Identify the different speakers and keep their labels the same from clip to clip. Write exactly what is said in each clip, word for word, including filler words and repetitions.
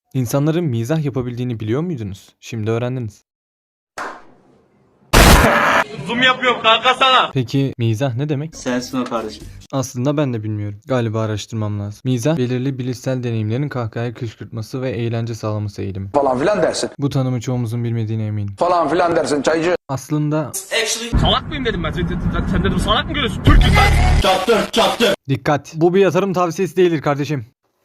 Speaker 1: İnsanların mizah yapabildiğini biliyor muydunuz? Şimdi öğrendiniz.
Speaker 2: Zoom yapıyorum kanka sana.
Speaker 1: Peki mizah ne demek?
Speaker 3: Sensin o kardeşim.
Speaker 1: Aslında ben de bilmiyorum. Galiba araştırmam lazım. Mizah, belirli bilişsel deneyimlerin kahkahaya kışkırtması ve eğlence sağlaması eğilimi.
Speaker 4: Falan filan dersin.
Speaker 1: Bu tanımı çoğumuzun bilmediğine eminim.
Speaker 4: Falan filan dersin çaycı.
Speaker 1: Aslında
Speaker 2: Salak mıyım dedim ben. Sen, sen, sen dedim salak mı görüyorsun? Türk'üm ben.
Speaker 3: Çaktır çaktır.
Speaker 1: dikkat! Bu bir yatırım tavsiyesi değildir kardeşim.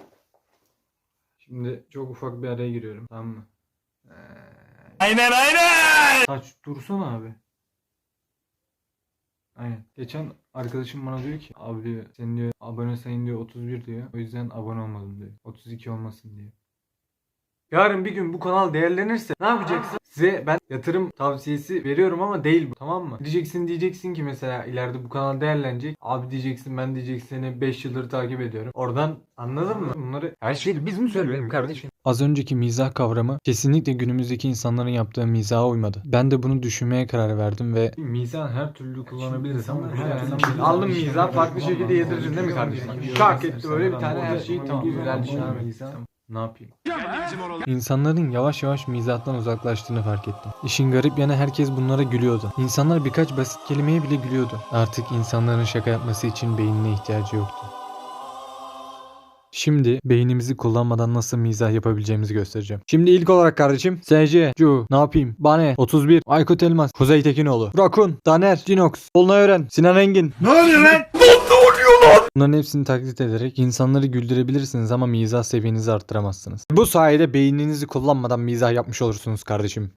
Speaker 1: Şimdi çok ufak bir araya giriyorum. Tamam mı?
Speaker 2: Aynen aynen.
Speaker 1: Aç dursana abi. Aynen. Geçen arkadaşım bana diyor ki abi diyor senin diyor abone sayın diyor otuz bir diyor. O yüzden abone olmadım diyor. otuz iki olmasın diyor. Yarın bir gün bu kanal değerlenirse ne yapacaksın? Size ben yatırım tavsiyesi veriyorum ama değil bu, tamam mı? Diyeceksin diyeceksin ki mesela ileride bu kanal değerlenecek. Abi diyeceksin ben diyeceksin seni beş yıldır takip ediyorum. Oradan anladın mı? Bunları
Speaker 5: Her şeyi biz mi söyleyelim kardeşim?
Speaker 1: Az önceki mizah kavramı kesinlikle günümüzdeki insanların yaptığı mizaha uymadı. Ben de bunu düşünmeye karar verdim ve mizah her türlü kullanabiliriz ama aldım mizah farklı şekilde yedireceksin değil mi kardeşim? Şak etti böyle bir tane her şeyi tamam güzel şey mizah. Ne yapayım? İnsanların yavaş yavaş mizahtan uzaklaştığını fark ettim. İşin garip yanı herkes bunlara gülüyordu. İnsanlar birkaç basit kelimeye bile gülüyordu. Artık insanların şaka yapması için beynine ihtiyacı yoktu. Şimdi beynimizi kullanmadan nasıl mizah yapabileceğimizi göstereceğim. Şimdi ilk olarak kardeşim S C, Cu, ne yapayım, Bane, otuz bir, Aykut Elmas, Kuzey Tekinoğlu, Rakun, Daner, Cinox, Olnay Ören, Sinan Engin.
Speaker 2: Ne oluyor lan?
Speaker 1: Bunların hepsini taklit ederek insanları güldürebilirsiniz ama mizah seviyenizi arttıramazsınız. Bu sayede beyninizi kullanmadan mizah yapmış olursunuz kardeşim.